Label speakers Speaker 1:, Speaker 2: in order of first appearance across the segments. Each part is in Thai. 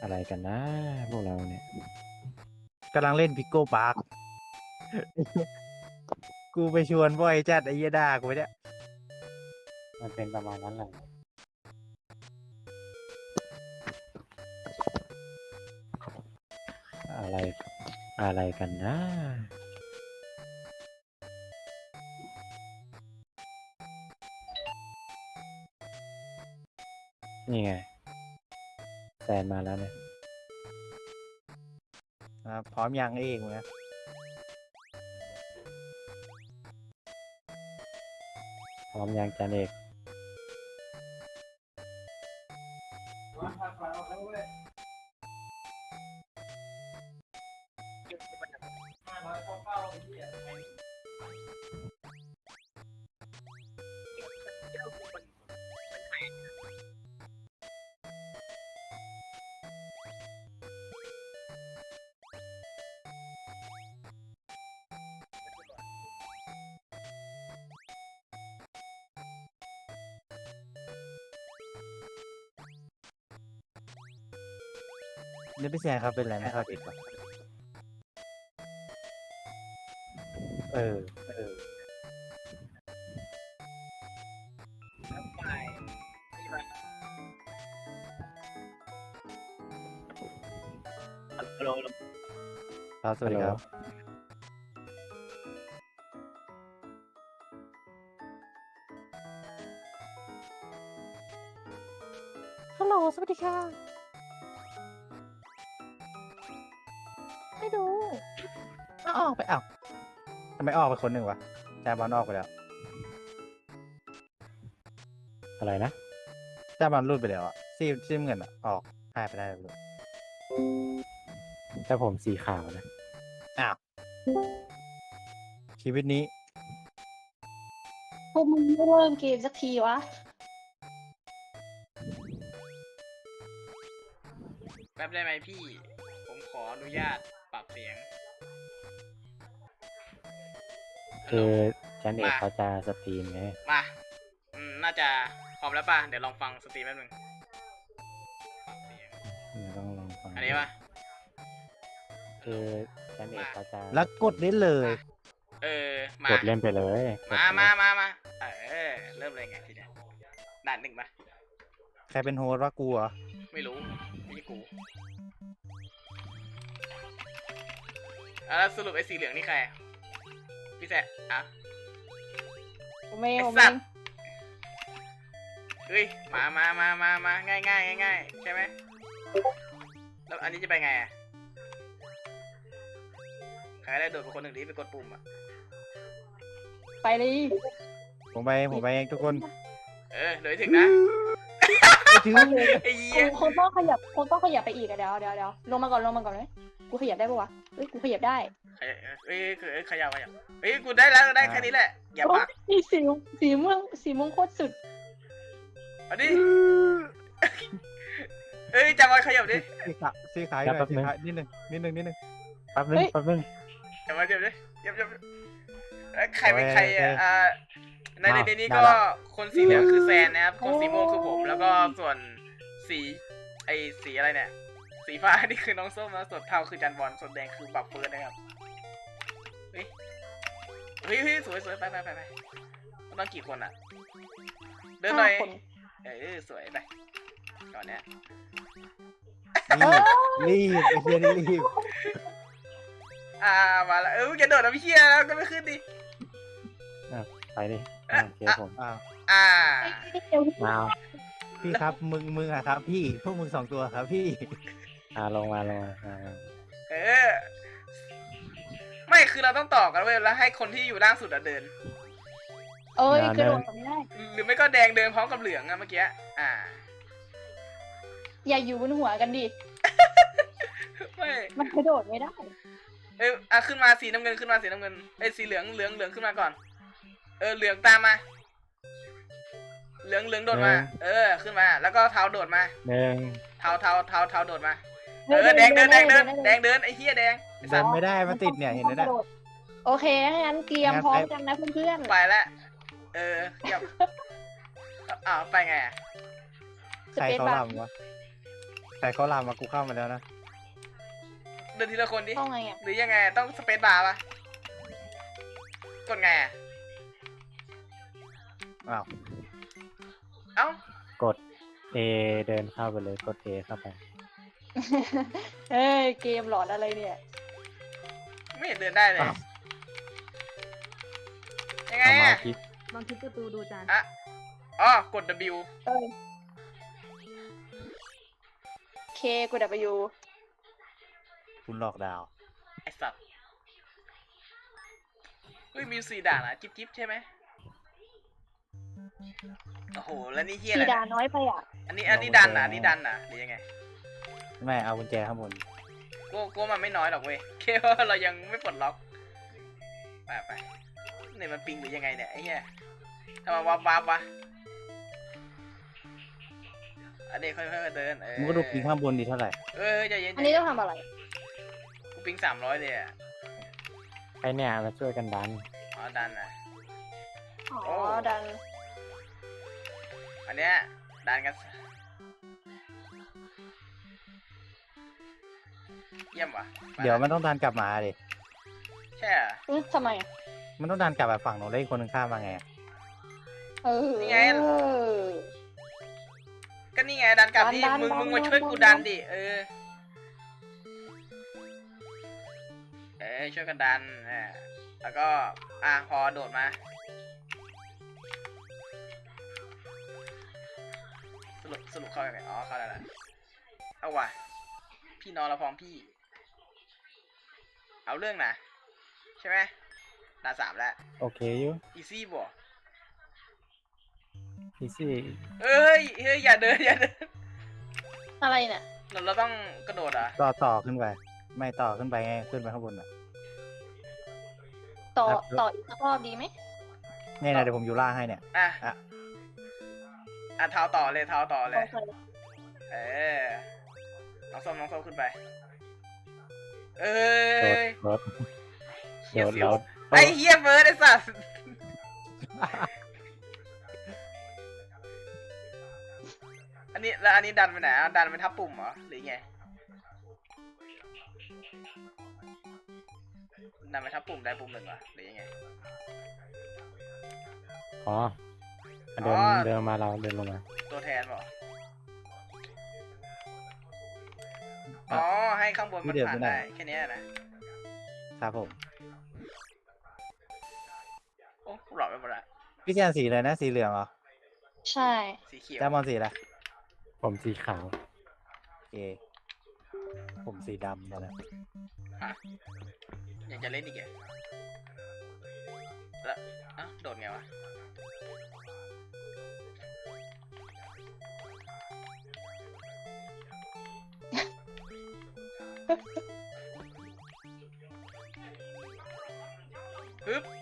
Speaker 1: อะไรกันนะพวกเราเนี่ย
Speaker 2: กำลังเล่นพิกโก้ปาร์คกูไปชวนบ่อยจัดไอ้เหี้ยด่ากูไปเนี่ย
Speaker 1: มันเป็นประมาณนั้นแหละอะไรอะไรกันนะนี่ไงแซนมาแล้วเนี่ย
Speaker 2: พร้อมยังเองนะ
Speaker 1: พร้อมยังจันเอก
Speaker 2: นี่พี่แซนครับเป็นอะไรไม่เข้าใจป่ะเออครับสวัสดีครับฮัลโหลสวัสดีค่ะไม่ดูออกไปทำไมออกไปคนหนึ่งวะจาบอลออกไปแล้ว
Speaker 1: อะไรนะ
Speaker 2: จาบอลรูดไปแล้วอ่ะซีมเงินอ่ะออกหายไปได้เลย
Speaker 1: ถ้าผมสีขาวนะ
Speaker 2: อ้าวชีวิตนี้
Speaker 3: พวกมึงไม่เริ่มเกมสักทีวะ
Speaker 4: แป๊บได้ไหมพี่ ผมขออนุญาตปรับเสียง
Speaker 1: คือจันเอก
Speaker 4: มา
Speaker 1: เขาจะสตรีมไง
Speaker 4: มาน่าจะพร้อมแล้วป่ะ เดี๋ยวลองฟังสตรีมแป๊บนึงปรับเสียง
Speaker 1: ต้องลองฟัง
Speaker 4: อันนี้ป่ะ
Speaker 1: คือจันเอกเขาจะ
Speaker 2: แล้วกดได้เลย
Speaker 4: มาก
Speaker 1: ดเล่นไปเลยกด
Speaker 4: มา
Speaker 1: เลย
Speaker 4: เริ่มเลยไงทีเนี้ยด่านหนึ่งป่ะ
Speaker 2: ใครเป็นโฮสต์ว่ากูเหรอ
Speaker 4: ไม่รู้ไม่ใช่กูแล้วสรุปไอ้สีเหลืองนี่ใครอะพี่แซะอ่ะ
Speaker 3: ผมไม่
Speaker 4: ไอ้
Speaker 3: ผม
Speaker 4: สั
Speaker 3: ไม่
Speaker 4: ตว์ เฮ้ยมาง่ายใช่ไหมแล้วอันนี้จะไปไงอ่ะใครได้โดดเป็นคนหนึ่งดีไปกดปุ่มอ่ะ
Speaker 3: ไปเลย
Speaker 2: ผมไปเองทุกคน
Speaker 4: เดี๋ยวถึงนะ
Speaker 2: ถือ
Speaker 4: ไอ้เหี้ย
Speaker 3: คงต้องขยับไปอีกอะเดี๋ยวลงมาก่อนเลยกูขยับได้ปะวะเอ้ยกูขยับได้
Speaker 4: ขยับเฮ้ยกูได้แล้วได้แค่นี้แหละอย่า
Speaker 3: โอ้
Speaker 4: ปาก
Speaker 3: ยสีม่วงโคตรสุด
Speaker 4: อันนี้เอ้ยจำไว้ขยับดิ
Speaker 2: ซีขายหน่อยซีขายนิดนึง
Speaker 1: แป๊บนึงแป๊บนึง
Speaker 4: จำไว้ดิยับใครเป็นใครในนี้ก็คนสีเหลืองคือแซนนะครับคนสีม่วงคือผมแล้วก็ส่วนสีอะไรเนี่ยสีฟ้านี่คือน้องส้มแล้วส่วนเทาคือจันบอลส่วนแดงคือบับเฟิร์สนะครับเฮ้ยสวยไปต้องกี่คนอ่ะเดินหน่อยสวยไปก่อนเนี้ย
Speaker 2: รีบไอ้เหี้ยนี่รีบ
Speaker 4: มาแล้วอย่าโดดนะพี่เชียแล้วก็ไม่ขึ้นดิ
Speaker 1: ไปดิเชียผม
Speaker 2: อ้าว
Speaker 1: มา
Speaker 2: พี่ครับมึงอะครับ พี่พวกมึง2 ตัวครับพี่
Speaker 1: ลงมา
Speaker 4: ไม่คือเราต้องต่อกันเว้ยแล้วให้คนที่อยู่ล่างสุดเดิน
Speaker 3: เอ้ยกระโดดไม่ได้
Speaker 4: หรือไม่ก็แดงเดินพร้อมกับเหลืองอะเมื่อกี้
Speaker 3: อย่าอยู่บนหัวกันดิ
Speaker 4: ไม่
Speaker 3: มันกระโดดไม่ได้
Speaker 4: ขึ้นมาสีน้ำเงินขึ้นมาสีน้ำเงินสีเหลืองขึ้นมาก่อนเหลืองตามมาเหลืองโดดมาขึ้นมาแล้วก็เทาโดดมาเทาโดดมาแดงเดินไอ้เหี้ยแดง
Speaker 2: เดินไม่ได้มันติดเนี่ยเห็นไหมเนี่ย
Speaker 3: โอเคงั้นเตรียมพร้อมกันนะเพื่อนๆ
Speaker 4: ไปแล้วยับไปไง
Speaker 2: ใครเขาลำวะแต่เขาลามมากูเข้ามาแล้วนะ
Speaker 4: เดินทีละคนดิ
Speaker 3: ต้องไงอ่ะ
Speaker 4: หรือยังไงต้องสเปซบาร์ปะกดไงอะ
Speaker 2: อ้าว
Speaker 4: เอ้าก
Speaker 1: ด A เดินเข้าไปเลยกด A เข้าไป
Speaker 3: เฮ้ยเกมหลอนอะไรเนี่ย
Speaker 4: ไม่เห็นเดินได้เลย
Speaker 2: อ้าว
Speaker 4: ยังไง
Speaker 1: เอามา
Speaker 4: อะ
Speaker 1: คลิก
Speaker 5: ลองคลิกประตูดูจาน
Speaker 4: อะอ๋อกด W
Speaker 3: เอ้ยเคกูดับไปยู
Speaker 2: คุณหลอกดาว
Speaker 4: ไอสัตว์เฮ้ยมี4ด่านอะจิ๊บใช่ไหมโอ้โหแล้วนี่เฮียอะ
Speaker 3: สี
Speaker 4: ไร
Speaker 3: ดา
Speaker 4: เนี่ย
Speaker 3: น้อยไปอ่ะ
Speaker 4: อันนี้ดันอะอันนี้ดันอะหรือยังไง
Speaker 2: ไม่เอากุญแจข้างบน
Speaker 4: กูมันไม่น้อยหรอกเว้ยแค่ว่าเรายังไม่ปลดล็อกไปเนี่ยมันปิงหรือยังไงเนี่ยไอ้เหี้ยทำไมวับวะอันนี้ค่อยๆเดิน
Speaker 2: มึงก็ดูปิงข้างบนดีเท่าไหร่
Speaker 4: ใจเย็น
Speaker 3: อันนี้ต้องทำอะไร
Speaker 4: กูปิง300เลยอ่ะ
Speaker 1: ไอเนี่ยมาช่วยกันดัน
Speaker 4: อ๋อดันนะ
Speaker 3: อ๋อ
Speaker 4: โอ้
Speaker 3: ดัน
Speaker 4: อันเนี้ยดันกันเยี่ยมว่ะ
Speaker 2: เดี๋ยวมันต้องดันกลับมาดิ
Speaker 4: ใช่เหรอ
Speaker 3: ทำไมอ่ะ
Speaker 2: มันต้องดันกลับไปฝั่งโน้นแล้วอีกคนนึงข้ามมาไง
Speaker 3: เออ
Speaker 4: นี่ไง ก็นี่ไงดันกลับดิ
Speaker 3: ดัน
Speaker 4: มึงมา
Speaker 3: ดัน
Speaker 4: ช่วยกู
Speaker 3: ดั
Speaker 4: ดั
Speaker 3: น
Speaker 4: นดิช่วยกันดันแล้วก็พอโดดมาสรุปเข้ายังไงอ๋อเข้าแล้วแหละเอาว่ะพี่นอนเราพร้อมพี่ เอาเรื่องนะใช่ไหมด่าน3แล้ว
Speaker 1: โอเคอยู่
Speaker 4: อีซี่บ่
Speaker 1: อีซี่
Speaker 4: เฮ้ยอย่าเดิน
Speaker 3: อะไรเนี่ย
Speaker 4: เราต้องกระโดดอ่ะ
Speaker 2: ต่อขึ้นไป ไม่ต่อขึ้นไปไงขึ้นไปข้างบนอ่ะ
Speaker 3: ต่อ
Speaker 2: ครับ
Speaker 3: ต่ออีกสักรอบดีไหม
Speaker 2: เนี่ยนะเดี๋ยวผมอยู่ล่างให้เนี่ย
Speaker 4: อ่ะเท้าต่อเลย
Speaker 3: โอเค
Speaker 4: น้องส้มขึ้นไป
Speaker 1: โดด
Speaker 4: เฮีย
Speaker 1: โดด
Speaker 4: เสียว
Speaker 1: โดด
Speaker 4: ไอ้เฮียเบิร์ดไอ้สัสอันนี้ดันไปไหนดันไปทับปุ่มเหรอหรือไงดันไปทับปุ่มได้ปุ่ม 1เหรอหรือยังไง
Speaker 1: อ๋อเดินมาเราเดินลงมา
Speaker 4: ตัวแทนเหรออ๋อให้ข้างบนมันผ่านได้แค่นี้นะครับ
Speaker 2: ผม
Speaker 4: โอ้หลอดไปหมดละ
Speaker 2: พี่แจนสีอะไรนะสีเหลืองเหรอ
Speaker 3: ใช่
Speaker 4: สีเขียว
Speaker 2: แจมอนสีอะไร
Speaker 1: ผมสีขาว
Speaker 2: โอเคผมสีดำตอนนี้
Speaker 4: ยังจะเล่นอีกเหรอแล้วโดดไงวะฮึบ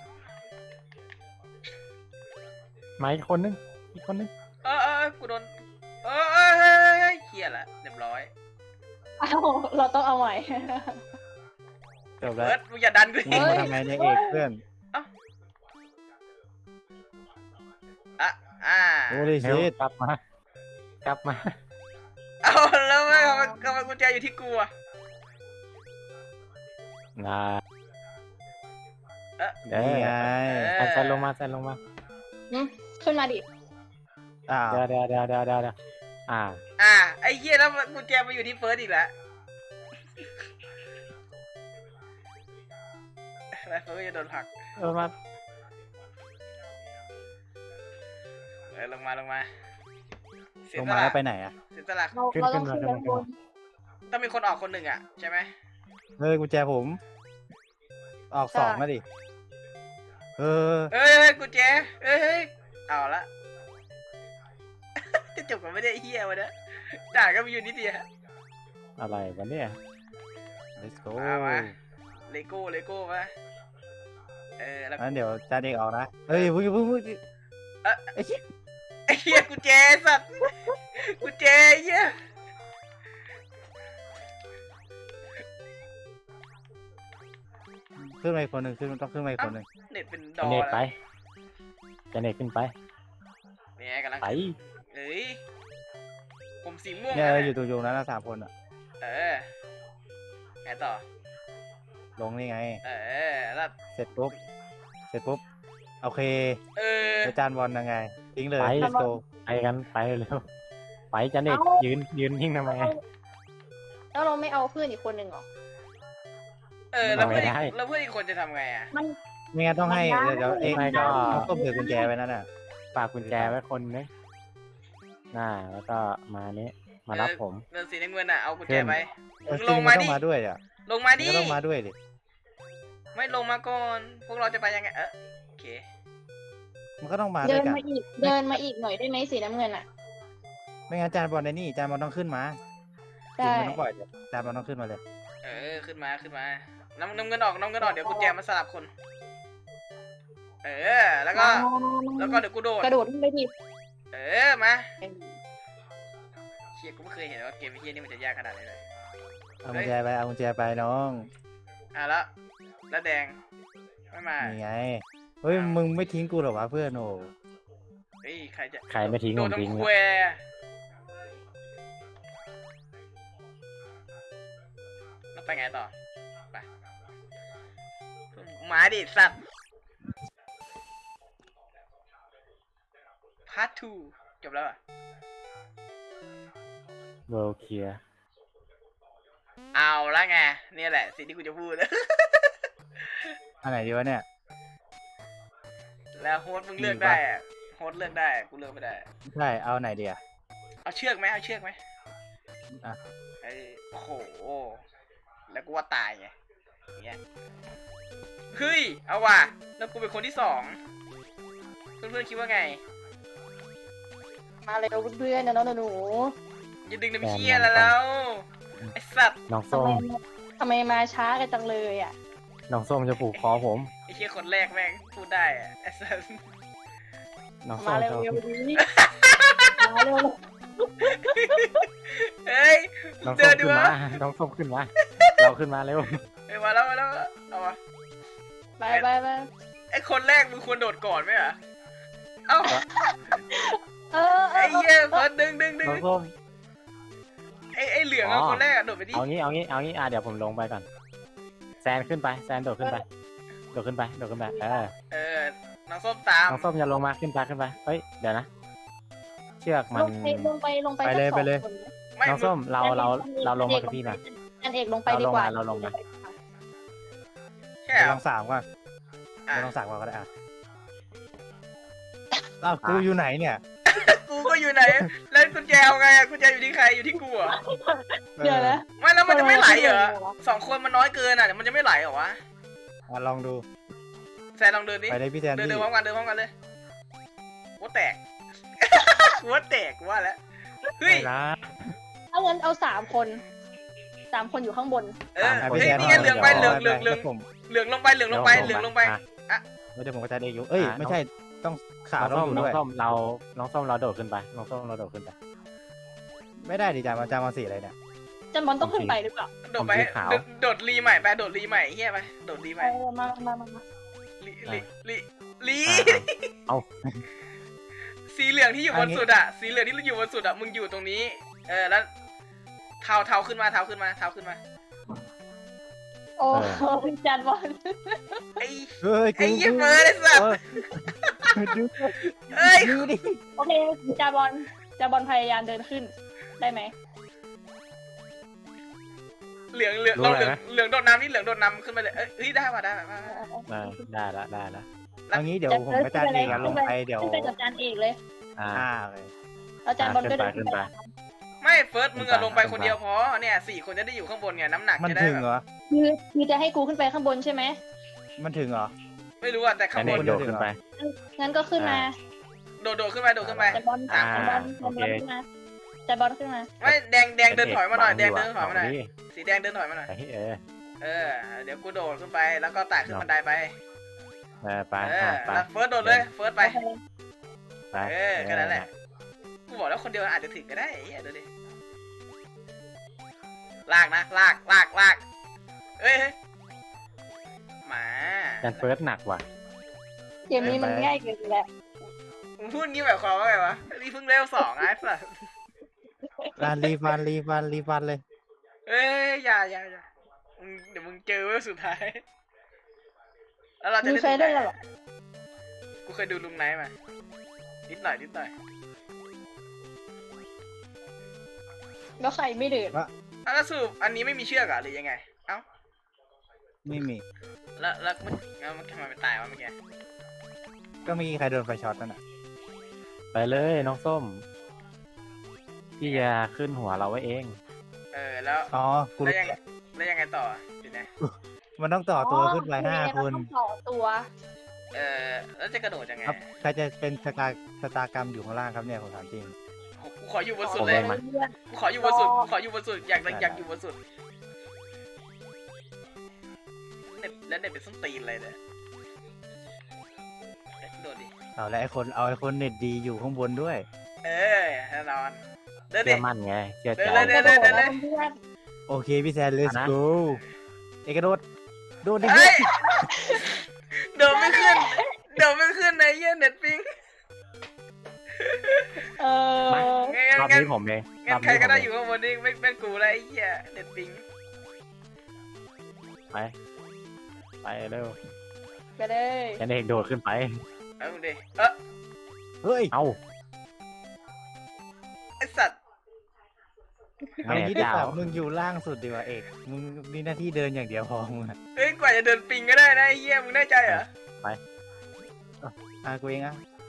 Speaker 1: มาอีกคนนึง
Speaker 4: กูโดนเฮียละเรียบร้อย
Speaker 3: อ้าวเราต้องเอาใหม่
Speaker 2: จบแล้ว
Speaker 4: เบิร์ดมึงอย่าดันกู
Speaker 2: มึงมาทำไมเนี่ยเอกเพื่อน โอ้ย
Speaker 1: เร็
Speaker 2: ชิ
Speaker 1: ว
Speaker 2: ต
Speaker 1: กลับมา
Speaker 4: เอาแล้วไม่ทำไมกุญแจอยู่ที่กูอะ
Speaker 1: นะ
Speaker 2: นี่ไง
Speaker 1: ใส่ลงมา
Speaker 3: ขึ้นมาดิ
Speaker 2: อ้าว
Speaker 1: เดี๋ยว
Speaker 4: ไอ้เหี้ยแล้วกุญแจมาอยู่ที่เฟิร์สอีกแล้วแล้วเฟิร์สก็จะโดนผลัก
Speaker 1: มา
Speaker 4: ลงมาเสีย
Speaker 2: ลง
Speaker 4: ส
Speaker 2: มา
Speaker 4: ละ
Speaker 2: แล้วไปไหนอ่ะ
Speaker 4: เสียสละ
Speaker 3: เราต้องขึ้นด้านบน
Speaker 4: ต้องมีคนออกคนหนึ่งอ่ะใช่ไหม
Speaker 2: เฮ้ยกุญแจผม ออก2มาดิเออ
Speaker 4: เอ้ยกุญแจเอ้ยเอาละจะจบกันไม่ได้ไอ้เหี้ยวะเนี่ยด่าก็มีอยู่นิดเดียว
Speaker 1: อะไรวะเนี่ย
Speaker 2: let's go
Speaker 4: มาเลโก้มาแล้ว
Speaker 2: งั้นเดี๋ยวจานเอกออกนะเฮ้ยพึ่งไอ้เหี้ย
Speaker 4: ไอ้เหี้ยกุญแจสัตว์กุญแจเหี้ย
Speaker 2: ขึ้นมาอีกคนหนึ่งต้องขึ้นมาอีกคนหนึ่ง
Speaker 4: เน็ตเป็นด
Speaker 1: จะ
Speaker 4: อ
Speaker 1: เนต
Speaker 4: แล้ว
Speaker 1: ไปจะเนตขึ้นไป
Speaker 4: เนี่ยกำลัง
Speaker 1: ไป
Speaker 4: เอ้ยผมสีม่วง
Speaker 2: เนี่ย
Speaker 4: นั่น
Speaker 2: อยู่
Speaker 4: น่ะ
Speaker 2: ตรงนั้นนะ3 คนอ่ะ
Speaker 4: เออไงต่อ
Speaker 2: ลงนี่ไง
Speaker 4: เออแล้ว
Speaker 2: เสร็จปุ๊บโอเค
Speaker 4: เออ
Speaker 2: อาจารย์บอลยังไงทิ้งเลย
Speaker 1: ไป
Speaker 2: let's go
Speaker 1: ไปกันไปเร็วไปจันเอกยืนทิ้งทำไม
Speaker 3: แล้วเราไม่เอาเพื่อนอีกคนหนึ่งหรอ
Speaker 4: เออแล้ว
Speaker 1: ไม่
Speaker 4: เพื่อน
Speaker 1: ได้
Speaker 4: แล้วเพื่อนอีกคนจะทำไงอ่ะ
Speaker 3: มัน
Speaker 2: ไม่งั้นต้องให้
Speaker 3: มันได้
Speaker 2: เดี๋ยวเอง
Speaker 1: ไม่ก็
Speaker 2: ต้องต้มถือกุญแจไว้นั่นน่ะ
Speaker 1: ฝากกุญแจไว้คนนึงแล้วก็มานี้มารับผม
Speaker 4: เดินสีน้ำเงินอ่ะเอากุญแจ
Speaker 1: เพื่อน
Speaker 4: ไป
Speaker 2: เออ
Speaker 4: ลงมา
Speaker 2: ต้
Speaker 4: ดิ
Speaker 2: องมาด้วยอ่ะ
Speaker 4: ลงมา
Speaker 2: มัน
Speaker 4: ดิ
Speaker 2: ก็ต้องมาด้วยดิ
Speaker 4: ไม่ลงมาก่อนพวกเราจะไปยังไงโอเค
Speaker 2: มันก็ต้องมาด้
Speaker 3: เดิ
Speaker 2: วย
Speaker 3: น
Speaker 2: กัน
Speaker 3: มาอีกเดินมาอีกหน่อยได้ไหมสีน้ำเงินอ่ะ
Speaker 2: ไม่งั้นอาจารย์บอลในนี่อาจารย์บอลต้องขึ้นมา
Speaker 3: ได้
Speaker 2: มันต้องปล่อยอาจารย์บอลต้องขึ้นมาเลย
Speaker 4: เออขึ้นมาน้ำเงินออกเดี๋ยวกุญแจมาสลับคน เออแล้วก็เดี๋ยวกูโดด
Speaker 3: กระโดดขึ้นไปดิ
Speaker 4: เออมาเชี่ยกูไม่เคยเห็นว่าเกมเฮียนี่มันจะยากขนาดนี้เลย
Speaker 2: เอากุญแจไปเอากุญแจไปน้อง
Speaker 4: แล้วแดงไม่มา
Speaker 2: นี่ไงเฮ้ยมึงไม่ทิ้งกูหรอวะเพื่อนโอ้
Speaker 4: เฮ้ยใครจะ
Speaker 1: ใครไม่ทิ้ง
Speaker 4: โด
Speaker 1: ผ
Speaker 4: น
Speaker 1: มทิ้ง
Speaker 4: น้ำ
Speaker 1: เล
Speaker 4: แคว
Speaker 1: ย
Speaker 4: แล้วไปไงต่อไปหมาดิสัตว์พาร์ท2จบแล้วอ่ะ
Speaker 1: เวลเคลียร์
Speaker 4: เอาละไงเนี่ยแหละสิ่งที่กูจะพูด
Speaker 2: อันไหนดีวะเนี่ย
Speaker 4: แล้วโฮสต์มึงเลือกได้อะโฮสต์เลือกได้กูเลือกไม่ได้
Speaker 2: ใช่เอาไหนดีอ่ะ
Speaker 4: เอาเชือกไหม
Speaker 2: อ่ะ
Speaker 4: ไอ้โอ้โหแล้วกูว่าตายไงอย่างเงี้ยเฮ้ยเอาว่ะแล้วกูเป็นคนที่2เพื่อนๆคิดว่าไง
Speaker 3: มาเร็วเพื่อนๆนะน้องหนู
Speaker 4: อย่าดึงน้ำเชี่ยแล้วไอ้สัตว์
Speaker 1: น้อง
Speaker 3: ทำ
Speaker 1: ส้
Speaker 3: ไม
Speaker 1: ม
Speaker 3: ทำไมมาช้ากันจังเลยอ่ะ
Speaker 1: น้องส้มจะผูกคอผม
Speaker 4: ไอ้เชี่ยคนแรกแม่งพูดได้อะไอ้สัตว์
Speaker 1: น้องส้
Speaker 3: มาม เร็ว
Speaker 1: จะ
Speaker 3: เร็วดีมาเร็ว
Speaker 4: เฮ้ย
Speaker 1: น้อง
Speaker 4: เจ
Speaker 1: ส้
Speaker 4: อ
Speaker 1: ม
Speaker 4: ดี
Speaker 1: ขึ้น
Speaker 4: วะ
Speaker 1: มาน้องส้มขึ้นมาเราขึ้นมาเร็ว
Speaker 4: เฮ้ยมาแล้วเอาวะ
Speaker 3: ไปไปไป
Speaker 4: ไอ้คนแรกมึงควรโดดก่อนไหมอะเอ้า
Speaker 3: ไอ้
Speaker 4: ไอ้เหี้ยเฟิร์สดึง
Speaker 1: น้องส้ม
Speaker 4: ไอ้เหลืองอะคนแรกอะโดดไปดิ
Speaker 1: เอางี้เดี๋ยวผมลงไปก่อนแซนขึ้นไปแซนโดดขึ้นไป
Speaker 4: เออน้องส้มตาม
Speaker 1: น้องส้มอย่าลงมาขึ้นไปเฮ้ยเดี๋ยวนะ เชือกมัน
Speaker 3: ลงไป
Speaker 2: ไปเลย
Speaker 3: สัก
Speaker 2: ไปเลย
Speaker 3: สองคนนะ
Speaker 4: ไม่
Speaker 1: น้องส้มเราลงมากับพี่นะ
Speaker 3: อันเอกลงไปดีกว่า
Speaker 1: เราลงมา
Speaker 4: แค่
Speaker 2: ไป
Speaker 4: เหร
Speaker 2: ล
Speaker 4: อ
Speaker 2: อง3ก่อน
Speaker 4: อ่ะ
Speaker 2: ไปลอง3ก่อนก็ได้อ่ะอ้าวกูอยู่ไหนเนี่ย
Speaker 4: กูก็อยู่ไหน แล้วกุญแจเอาไงอะกุญแจอยู่ที่ใครอยู่ที่กูเหรอ
Speaker 3: เดี๋ยวนะ
Speaker 4: ไม่แล้วมันจะไม่ไหลเหรอ
Speaker 3: ทำไมไม่ไหลวะ
Speaker 4: 2 คนมันน้อยเกินอะเดี๋ยวมันจะไม่ไหลเหรอวะ
Speaker 2: ลองดู
Speaker 4: แซนลองเดินดิ
Speaker 2: ไปเลยพี่แซน
Speaker 4: เดิน
Speaker 2: ดี้
Speaker 4: พร้อมกันเลยหัวแตก หัวแตกกูว่าแล้วเฮ้ย
Speaker 1: ไม่นะ
Speaker 3: ถ้างั้นเอา3 คนอยู่ข้างบน
Speaker 4: เออ
Speaker 2: อ่ะ
Speaker 4: เฮ้
Speaker 2: พี่
Speaker 4: ย
Speaker 2: แซน
Speaker 4: นี่ไงเหลืองไปเหลือง
Speaker 2: ผม
Speaker 4: เหลืองลงไปเหลืองลงไป
Speaker 1: อ่ะ
Speaker 2: ไม่ได้ผมก็จะได้อยู่เอ้ยไม่ใช่ต้องขา
Speaker 1: น้
Speaker 2: ต้
Speaker 1: อ
Speaker 2: อง ง
Speaker 1: ส้
Speaker 2: อ
Speaker 1: ม
Speaker 2: ยู่
Speaker 1: น้อง
Speaker 2: ด้วย
Speaker 1: ส้มเราโดดขึ้นไปน้องส้มเราโดดขึ้นไป
Speaker 2: ไม่ได้ดิจามาสีอะไรเนี่ย
Speaker 3: จันบอลต้องขึ้นไปหรือเปล่า
Speaker 4: โดดไป
Speaker 1: ผมสีขาว
Speaker 4: โดดรีใหม่ไปโดดรีใหม่เฮียไปโดดรีใหม่
Speaker 3: มา
Speaker 4: ลี
Speaker 1: เอา
Speaker 4: สีเหลืองที่อยู่บนสุดอะสีเหลืองที่อยู่บนสุดอะมึงอยู่ตรงนี้แล้วเท้าขึ้นมา
Speaker 3: โอ้จันบอล
Speaker 4: ไอ้
Speaker 2: เฮ้ย
Speaker 4: ไอ้เหี้ยเฟิร์สไอ้สัส
Speaker 2: ดู
Speaker 4: เอ้ย
Speaker 2: ดูดิ
Speaker 3: โอเคจันบอลพยายามเดินขึ้นได้ไหม
Speaker 4: เหลืองโดดน้ำนี่เหลืองโดดน้ำขึ้นไปเลยเอ้ยได้ป่ะ
Speaker 1: ได้ละ
Speaker 2: เอางี้เดี๋ยวผมกับจานเองลงไปเดี๋ยว
Speaker 3: ขึ้นไปกับจานเอกเลย
Speaker 2: เลย
Speaker 3: แล้วจานบอลก็เดิน
Speaker 1: ขึ้นไป
Speaker 4: ไม่เฟิร์สมึงอะลงไปคนเดียวพอเนี่ย4 คนจะได้อยู่ข้างบนไงน้ำหนัก
Speaker 2: มัน
Speaker 4: จะได้
Speaker 2: ถึง
Speaker 4: แบบ
Speaker 2: เหรอ
Speaker 3: คือจะให้กูขึ้นไปข้างบนใช่ไหม
Speaker 2: มันถึงเหรอ
Speaker 4: ไม่รู้อะแต่
Speaker 1: แซ
Speaker 4: ข้าง
Speaker 1: น
Speaker 4: บ
Speaker 1: เอน กโดดขึ้นไป
Speaker 3: งั้นก็ขึ้นมา
Speaker 4: โดดขึ้นไป
Speaker 3: จานบอล
Speaker 1: อ่า
Speaker 3: ขึ้นมาจานบอลขึ้นมา
Speaker 4: ไม่แดงเดินถอยมาหน่อยแดงเดินถอยมาหน่อยสีแดงเดินถอยมาหน่อย เดี๋ยวกูโดดขึ้นไปแล้วก็ไต่ขึ้นบันไดไป
Speaker 1: ไป
Speaker 4: แล้วเฟิร์สโดดเลยเฟิร์สไป
Speaker 1: ไป
Speaker 4: แค่นั้นแหละกูบอกแล้วคนเดียวอาจจะถึงก็ได้เดี๋ยวดิลากนะลากเอ้ยมา
Speaker 1: แซนเฟิร์สหนักว่ะ
Speaker 3: เกมนี้มันง่ายเกินไปแล้ว
Speaker 4: มึงพูดงี้แบบความว่าไงวะนี่เพิ่งเลเวล2ไอ้สัส
Speaker 2: รีฟันเลย
Speaker 4: เอ้ยอย่าเดี๋ยวมึงเจอเว้ยสุดท้าย แล้วเราจะ
Speaker 3: มี
Speaker 4: ได้
Speaker 3: เคยเล่นแล้ว
Speaker 4: ไห
Speaker 3: เหรอ
Speaker 4: กูเคยดูลุงไนท์มานิดหน่อย
Speaker 3: แล้วใครไม่เดิน
Speaker 4: แล้วสรุปอันนี้ไม่มีเชือกอะหรือยังไง เอ้า
Speaker 2: ไม่มี
Speaker 4: แล้วมันทำไมไปตายวะเมื่อกี้
Speaker 2: ก็มีใครโดนไฟช็อตนั่นน่ะ
Speaker 1: ไปเลยน้องส้ม พี่จะขึ้นหัวเราไว้เอง
Speaker 4: แล้ว
Speaker 2: อ๋อกู
Speaker 4: แล้ว
Speaker 2: รู้
Speaker 4: ยัง
Speaker 2: แล้ว
Speaker 4: แล้วยังไงต่อทีนี้
Speaker 2: มันต้องต่อตัวขึ้นไปห้าคน
Speaker 3: ต้องต่อตัว
Speaker 4: แล้วจะกระโดดยังไง
Speaker 2: ครับใครจะเป็นชะตากรรมอยู่ข้างล่างครับเนี่ยผมถามจริง
Speaker 4: กูขออยู่บนสุด
Speaker 1: ผม
Speaker 4: เล
Speaker 1: เลย ยมา
Speaker 4: กูขออยู่บนสุดอยากอยู่บนสุดเน็ตเป็นส้นตีนเลยเนี่ยโดดดิ
Speaker 2: เอาแล้วไอ้คนเน็ตดีอยู่ข้างบนด้วย
Speaker 4: แน่นอนเดินดิ
Speaker 1: เชื่อมั่นไงเชื่อใจ
Speaker 4: เดิน
Speaker 3: เพื่อน
Speaker 2: โอเคพี่แซน let's
Speaker 1: นะ
Speaker 2: go เอกระโดดโดดดิ
Speaker 4: เฮ้ยเดินไม่ขึ้นในเยี่ยเน็ตปิง
Speaker 3: เออ
Speaker 1: รอบนี้ผมเอง
Speaker 4: งั้นใครก็ได้อยู่ข้างบนนี่ไม่เป็นกูแล้วไอ้เหี้ยเน็ตปิง
Speaker 1: ไปเร็ว
Speaker 3: ไปเลย
Speaker 1: แค่นี้เองโดดขึ้นไป
Speaker 4: เอาดิ
Speaker 2: เฮ้ย
Speaker 1: เอ้า
Speaker 4: ไอสัตว์
Speaker 2: เอา
Speaker 1: แม่
Speaker 2: งี้ดีก
Speaker 1: เจ้า
Speaker 2: ว่ามึงอยู่ล่างสุดดีกว่าเอกมึงมีหน้าที่เดินอย่างเดียวพอมึงอะ
Speaker 4: เฮ้ยกว่าจะเดินปิงก็ได้นะไอ้เหี้ยมึงแน่ใจเหรอ
Speaker 2: กูเองอะ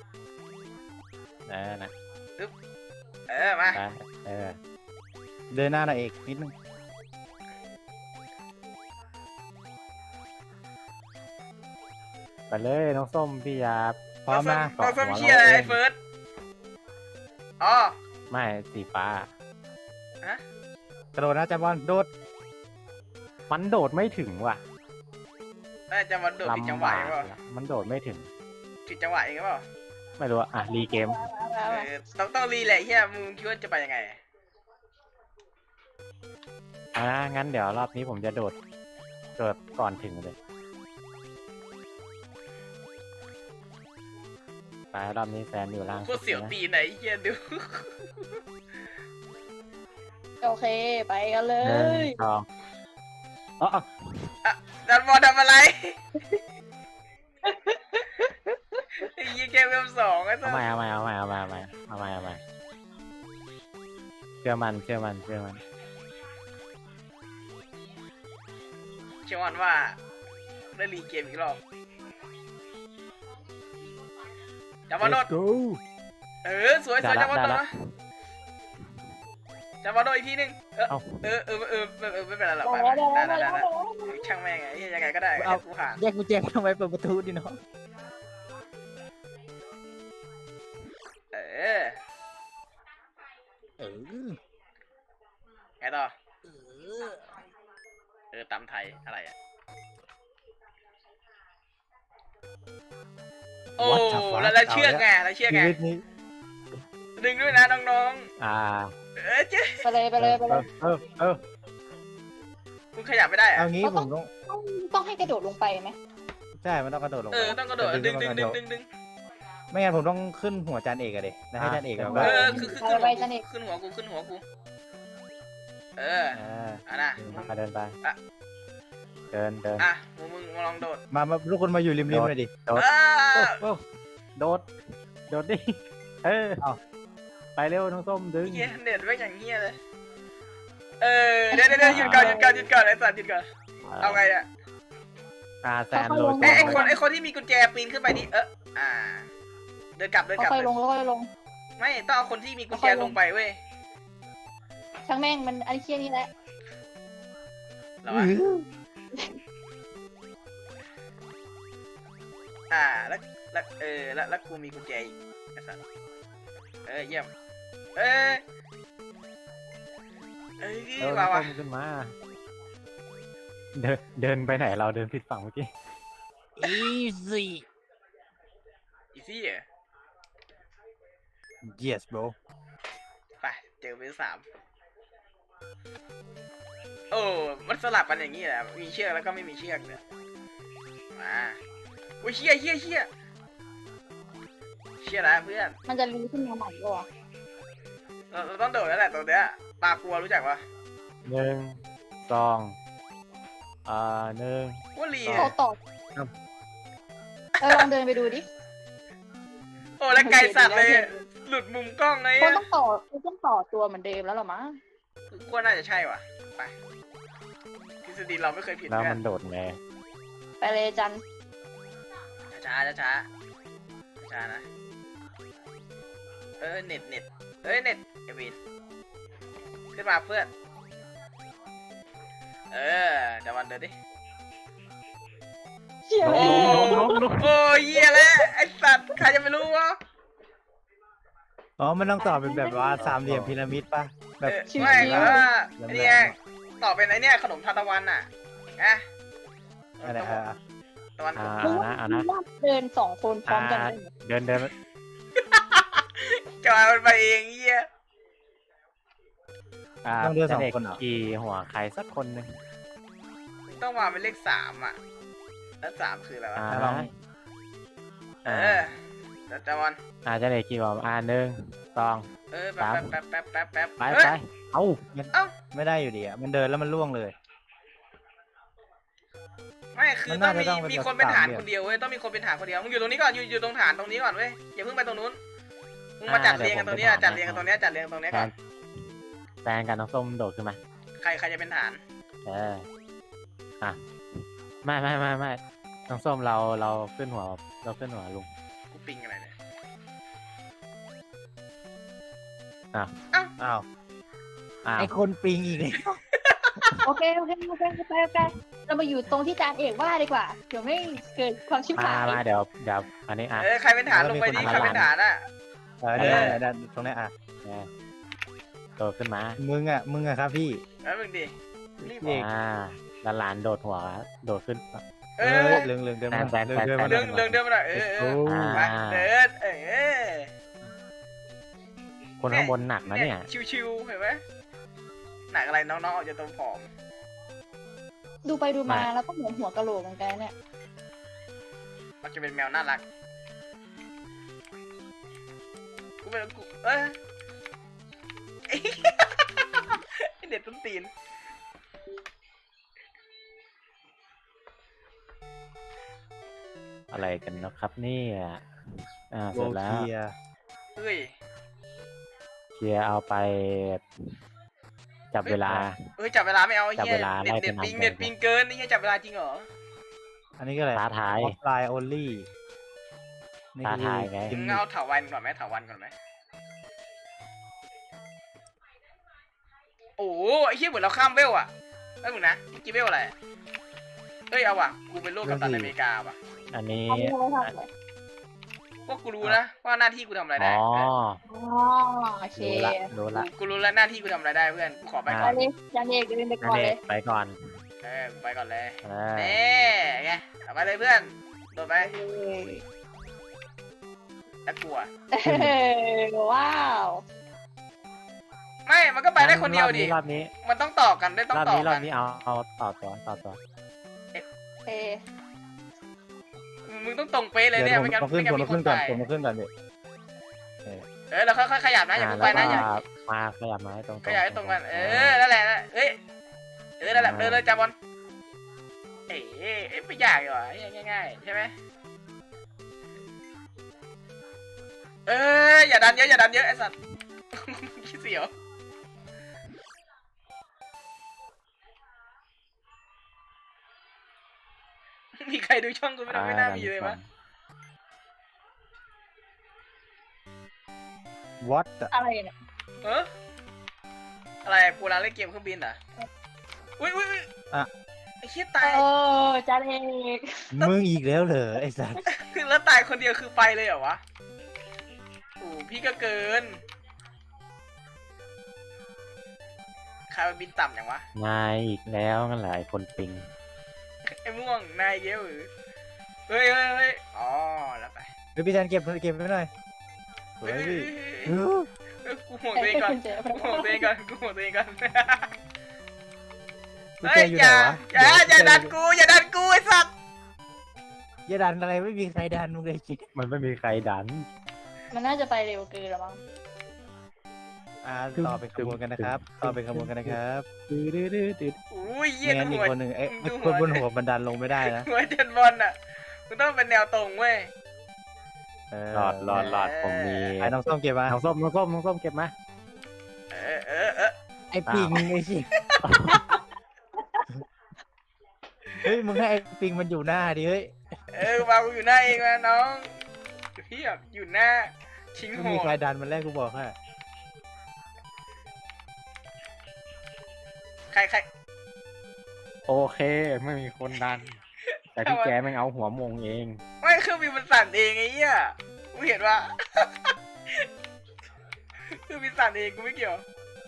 Speaker 1: นะ
Speaker 4: มา
Speaker 1: ไป
Speaker 2: เดินหน้าหน่อยเอกนิดนึง
Speaker 1: ไปเลยน้องส้มพี่ยา
Speaker 2: พร้อมนะ
Speaker 4: น้องส้มเชียร์ไอ้เฟิร์สอ๋อ
Speaker 1: ไม่สีฟ้า
Speaker 2: กระโดดนะจับบอลโดด
Speaker 1: มันโดดไม่ถึงว่ะ
Speaker 4: น่าจะมาโดดผิดจังหวะเองเปล่า
Speaker 1: มันโดดไม่ถึง
Speaker 4: ผิดจังหวะเองเปล่า
Speaker 1: ไม่รู้อ่ะรีเกม
Speaker 4: ต้องรีแหละเฮียมึงคิดว่าจะไปยังไง
Speaker 1: งั้นเดี๋ยวรอบนี้ผมจะโดดก่อนถึงเลยไปรอบนี้แซนอยู่ล่าง
Speaker 4: โคตรเสียวตีนไหนเฮียดู
Speaker 3: โอเคไปกันเล
Speaker 1: หนึ่
Speaker 3: ย
Speaker 1: งสองอ๋อ
Speaker 4: ดันบอลทำอะไรไอ้ยี่เกมเริ่มสองไอ้สั
Speaker 1: เอา
Speaker 4: ส
Speaker 1: ใหม่เชื่อมัน
Speaker 4: เชื่อมันว่าได้รีเกมอีกรอบจับมาโดด
Speaker 2: Let's go
Speaker 4: สวยจับมาโดดนะจับมาโดดอีกทีนึงไม่เป็นไรหรอก
Speaker 3: ได้แล้วได้
Speaker 4: ได้
Speaker 3: แล้ว
Speaker 4: ช่างแม่งไงยังไงก็ได้กูผ่าน
Speaker 2: แยกกุญแจทำไมเปิดประตูดิน้อง
Speaker 4: ไงต่อตำไทยอะไรอ่ะโอ้แล้วเชือกไง
Speaker 2: ชีวิตนี้
Speaker 4: ดึงด้วยนะน้องเจ๊
Speaker 3: ไปเลย
Speaker 4: คุณขยับไม่ได้อะ
Speaker 2: เอางี้ผม
Speaker 3: ต้องให้กระโดดลงไปไหม
Speaker 2: ใช่มันต้องกระโดดลงไป
Speaker 4: ต้องกระโดดดึง
Speaker 2: ไม่งั้นผมต้องขึ้นหัวจานเอกอะเด็แล้วให้จานเอกแบบ
Speaker 4: คือขึ้นหัวกูนะ
Speaker 1: เดินไปเดิน
Speaker 4: มึงมาลองโดด
Speaker 2: มาทุกคนมาอยู่ริมๆเลยดิ
Speaker 1: โดดดิไปเร็วน้องส้มดึง
Speaker 4: เฮียเน็ตไม่อย่างเฮียเลยเดี๋ยวหยุดก่อนไอ้สัตว์หยุดก่อนเอาไงอ่ะ
Speaker 1: แซนโดด
Speaker 4: ไอ้คนที่มีกุญแจปีนขึ้นไปนี่เดินกลับ
Speaker 3: ค่อยลง
Speaker 4: ไม่ต้องเอาคนที่มีกุญแจลงไปเว้ย
Speaker 3: ช่างแม่งมันอันเคี้ยนี่แหละ
Speaker 4: แล้วแล้วกูมีกุญแจอีกไอ้สัสเยี่ยม
Speaker 1: น้อง
Speaker 4: ว่ะ
Speaker 1: ส้มขึ้นมาเดินไปไหนเราเดินผิดฝั่งเมื่อกี้
Speaker 2: easy
Speaker 4: อีซี่เหรอ
Speaker 2: yes bro
Speaker 4: ไปเจอเวล3โอ้มันสลับกันอย่างนี้แหละมีเชือกแล้วก็ไม่มีเชือกเนี่ยมาโอ้ยเชี่ยนะเพื่อน
Speaker 3: มันจะรีขึ้นมาใหม่หรอ
Speaker 4: เราต้องโดดแล้วแหละตรงเนี้ยปลากลัวรู้จักปะ
Speaker 1: หนึ่งสองหนึ่ง
Speaker 4: ว่าลี
Speaker 3: โตต่อลองเดินไปดูดิ
Speaker 4: โอ้แล้วไกลสัตว์เลยหลุดมุมกล้องไง
Speaker 3: คนต้องต่อตัวเหมือนเดิมแล้วหรอมั้ง
Speaker 4: กลัวน่าจะใช่ว่ะไปทฤษฎีเราไม่เคยผิด
Speaker 1: แล้ว
Speaker 4: เพื่อ
Speaker 1: มัน นโดดไง
Speaker 3: ไปเลยจัน
Speaker 4: ช้านะเน็ตเน็ตเอวินขึ้นมาเพื่อนเดี๋ยววันเดินดิ
Speaker 3: เชี่ย
Speaker 4: โอ้โอ้ยเหี้ยแล้วไอ้สัตว์ใครจะไปรู้วะ
Speaker 2: อ๋อมันต้องต่อเป็นแบบว่าสามเหลี่ยมพีระมิดป่ะแบบ
Speaker 4: ไม่ไอ้เนี่ยต่อเป็นไอ้เนี่ยขนมทานตะวันอ่ะอะ
Speaker 2: อะไรอ่ะ
Speaker 4: ตะวัน
Speaker 1: เอานะ
Speaker 3: เดินสองคนพร้อมกัน
Speaker 1: เดิน
Speaker 4: จอยมันไปเองเหี้ย
Speaker 2: ต้องเดินสอง
Speaker 1: จะด็ก
Speaker 2: คนเหรอ
Speaker 1: กี่หัวใครสักคนหนึ่ง
Speaker 4: ต้องวางเป็นเลข3อ่ะแล้ว3คืออะไรวะ
Speaker 2: ลอง
Speaker 4: แต่จวัน
Speaker 1: จะเด็กกี่หัวหนึ่งสอง
Speaker 4: แป๊บ
Speaker 1: ไปเอ้า
Speaker 2: ไม่ได้อยู่ดีอ่ะมันเดินแล้วมันล่วงเลย
Speaker 4: ไม่คือ
Speaker 2: มัน
Speaker 4: ต้อ
Speaker 2: น่าง จะต้อง
Speaker 4: มี
Speaker 2: เป็น
Speaker 4: คนเป็นฐาน
Speaker 2: สามเหลี่ยม
Speaker 4: คนเดียวเว้ยต้องมีคนเป็นฐานคนเดียวมึงอยู่ตรงนี้ก่อนอยู่ตรงฐานตรงนี้ก่อนเว้ยอย่าเพิ่งไปตรงนู้นมึงมาจัดเรียงกันตรงนี้จัดเรียงกันตรงนี้จัดเรียงตรงนี้ก่อน
Speaker 1: แฟนกันน้องส้มโดดขึ้นมา
Speaker 4: ใครจะเป็นฐาน
Speaker 1: ไม่น้องส้มเราขึ้นหัวลุง
Speaker 4: กูปิงอะไรเนี่ย
Speaker 2: อ้าวไอคนปิงอีกเลย
Speaker 3: โอเคเรามาอยู่ตรงที่จานเอกว่าดีกว่าเดี๋ยวไม่เกิดความชิบหาย
Speaker 1: มาเดี๋ยวอันนี้
Speaker 4: ใครเป็นฐานลงไปดิใครเป็นฐานอ่ะ
Speaker 2: เนี่ยตรงนี้อ่ะ
Speaker 1: โดดขึ้นมา
Speaker 2: มึงอ่ะครับพี่
Speaker 4: แล้วมึงดิรีบ
Speaker 2: เอก
Speaker 1: แล้วหลานโดดหัวโดดขึ้น
Speaker 2: เรื่องเดินมา
Speaker 1: แฟน
Speaker 4: เดินมาหน่อยไปเดิน
Speaker 1: คนข้างบนหนักนะเนี่ย
Speaker 4: ชิวๆเห็นไหมหนักอะไรน้องๆออกจากตรงผอม
Speaker 3: ดูไปดูมาแล้วก็เหมือนหัวกะโหลกเหมือนกันเนี่ย
Speaker 4: มันจะเป็นแมวน่ารักกูเป็นกูเด็ดต้นตีน
Speaker 1: อะไรกันนะครับเนี่ยเส
Speaker 2: โว
Speaker 1: ร็จแล้ว
Speaker 2: เคีย
Speaker 4: เฮ้ย
Speaker 1: เคลียร์เอาไป จับเวลา
Speaker 4: จับเวลาไม่เอา
Speaker 1: จับ
Speaker 4: เฮีย
Speaker 1: เวลา
Speaker 4: เน็ต
Speaker 1: ไล่เป็น
Speaker 4: ปิง
Speaker 1: อัน
Speaker 4: เน็ตปิงเกินนี่จับเวลาจริงเหรอ
Speaker 2: อันนี้ก็อะไร
Speaker 1: ท้าทาย
Speaker 2: ออฟไลน์โอลี่
Speaker 1: ท้าทายไง
Speaker 4: มึงเอาเถาวันก่อนไหมเถาวันก่อนไหมโอ้ไอ้เหี้ยเหมือนเราข้ามเวลอะเอ้ยมึงนะกี่เวลอะไรเฮ้ยเอาว่ะกูเป็นลูกกัปตันอเมริกาว่ะ
Speaker 1: อันนี้
Speaker 3: อันนี้เราทำอะไร
Speaker 4: พวกกูรู้นะว่าหน้าที่กูทำอะไรได้
Speaker 3: โอเค
Speaker 1: รู้ละ
Speaker 4: กูรู้แล้วหน้าที่กูทำอะไรได้เพื่อนกูขอไปก่
Speaker 3: ไป
Speaker 4: อน
Speaker 3: เลยจานเอกเดินไป
Speaker 1: อั
Speaker 3: ก่อน
Speaker 1: น
Speaker 3: เล
Speaker 1: นี้
Speaker 3: ย
Speaker 1: ไปก่อน
Speaker 4: ไปก่อนเลย
Speaker 1: เออ
Speaker 4: ไงเอาไปเลยเพื่อนโดดไปแล้วกลัว
Speaker 3: ว้าว
Speaker 4: ไม่มันก็ไปได้คนเดียวดิ
Speaker 1: รอบนี้
Speaker 4: มันต้องต่อกันได้ต้อง
Speaker 1: รอบ
Speaker 4: ต่อ
Speaker 1: นี้รอ
Speaker 4: กับ น
Speaker 1: นี้เอาต่อตัว
Speaker 3: เอ
Speaker 4: มึงต้องตรงเป๊ะเลยเนี่ยไม่งั้น
Speaker 2: ขึ้น
Speaker 4: ไม่งั้น
Speaker 2: ผม
Speaker 4: มีค
Speaker 2: ขึ้
Speaker 4: น
Speaker 2: นก่อน
Speaker 4: ตาย
Speaker 2: ผมขึ้นก่อนดิ
Speaker 4: เราค่อยๆขยับนะอย่าเพิ่งไปนะอย่า
Speaker 1: มาขยับมาให้ตรง
Speaker 4: ขยับให้ตรงกันนั่นแหละเอ้ยนั่นแหละเดินเลยจับบอลไม่ยากหรอง่ายๆใช่ไหมอย่าดันเยอะไอ้สัตว์ขี้เสียวมีใครดูช่องกูไม่น่ามีเลยมั้ย
Speaker 2: วัด
Speaker 3: อะไรเนี่ย
Speaker 4: อะไรกูร้านเล่นเกมเครื่องบินเหรออุ้ยไอ้เหี้ยตาย
Speaker 3: จานเอก
Speaker 2: มึงอีกแล้วเหรอไอ้สัส
Speaker 4: คือแล้วตายคนเดียวคือไปเลยเหรอวะโอ้พี่ก็เกินใครมันบินต่ำอย่างวะ
Speaker 1: นายอีกแล้วนั่นแหละไอ้คนปิง
Speaker 4: ไอ้ม่วงนายเกี้ยวหรือเฮ้ยอ๋อแล้วไป
Speaker 2: เฮ้ยพี่แทนเก็บไปหน่อยสวยพี่
Speaker 4: กูห่วงตัวเองก่อนกูห่วงตัวเองก่อน
Speaker 2: กู
Speaker 4: เฮ้
Speaker 2: เจ
Speaker 4: ย
Speaker 2: ออยู่
Speaker 4: อ
Speaker 2: ไหน
Speaker 4: ย่าว
Speaker 2: ะ
Speaker 4: อย่าดันกูไอ้สัตว์
Speaker 2: อย่าดันอะไรไม่มีใครดันมึงเลยจิ
Speaker 1: มันไม่มีใครดัน
Speaker 3: มันน่าจะไปเร็วเกินแล้วมั้ง
Speaker 2: ต่อเป็นขบวนกันนะครับ ต่อเป็นขบวนกันนะครับ
Speaker 4: อุ้ยเยี่ย
Speaker 2: ไม่
Speaker 4: น
Speaker 2: งั้นอีก
Speaker 4: หัว
Speaker 2: คนหนึ่งไอ้
Speaker 4: ดู
Speaker 2: คนบนหัวมันดันลงไม่ได้นะ
Speaker 4: หัวเจนบอลอ่ะมันต้องเป็นแนวตรงเว้ย
Speaker 1: หลอดผมมี
Speaker 2: ไอ้น้องส้มเก็บมา
Speaker 1: น้องส้มเก็บมา
Speaker 4: เออ
Speaker 2: ไอ้ปิงไอ้สิเฮ้ยมึงให้ไอ้ปิงมันอยู่หน้าดิเฮ้ย
Speaker 4: วางอยู่หน้าเองนะน้องเพียบอยู่หน้าชิง
Speaker 2: ไม่
Speaker 4: โห
Speaker 2: มี
Speaker 4: ด
Speaker 2: ใครดันมันแรกกูบอกให้
Speaker 4: ใคร
Speaker 1: โอเคไม่มีคนดัน แต่พี่แกแม่งเอาหัวมงเอง
Speaker 4: ไม่เครื่องบินมันสั่นเองไอ้เหี้ยกูเห็นว่า เครื่องบินสั่นเองกูไม่เกี่ยว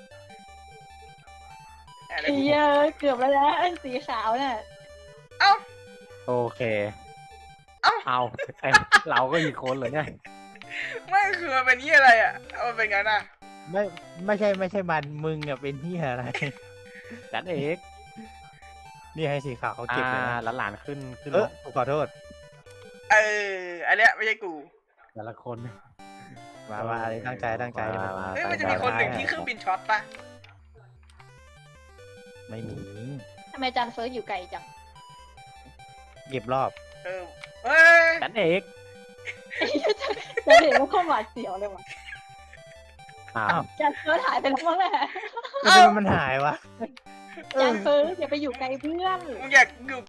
Speaker 4: อะไร
Speaker 3: ไอ้เหี้ยเกือบแล้วนะอันสีขาวน่ะ
Speaker 4: เอ้า
Speaker 1: โอเค
Speaker 4: เอ้า
Speaker 1: เอาไอ้เราก็อีกคนเหรอเนี่ย
Speaker 4: ไม่คือมันเป็นเหี้ยอะไรอ่ะเอามันเป็นงั้นอ่ะ
Speaker 2: ไม่ใช่มันมึงอะเป็นที่อะไร
Speaker 1: จัดเอก
Speaker 2: นี่ให้สีขาวเขาเก็บเลยนะ
Speaker 1: หลานขึ้น
Speaker 2: กูขอโทษ
Speaker 4: อันเนี้ยไม่ใช่กู
Speaker 1: แต่ละคน
Speaker 2: มาอะไรตั้งใจ
Speaker 1: มา
Speaker 4: เฮ้ยมันจะมีคนหนึ่งที่เครื่องบินช็อตปะ
Speaker 2: ไม่มี
Speaker 3: ทำไมจานเฟิร์สอยู่ไกลจัง
Speaker 2: เก็บรอบ
Speaker 4: เฮ้ย
Speaker 1: จัดเอก
Speaker 3: แล้วเห็นว่าข้อหวาดเสียวเลยว่ะ
Speaker 1: อ้าว
Speaker 3: จานเฟิร์สหายไปแล้วมั้งแหละ
Speaker 2: ทำไมมันหายวะ
Speaker 3: จานเฟิร์สอย่าไปอยู่ไกลเพื่อน
Speaker 4: มึงอยากอยู่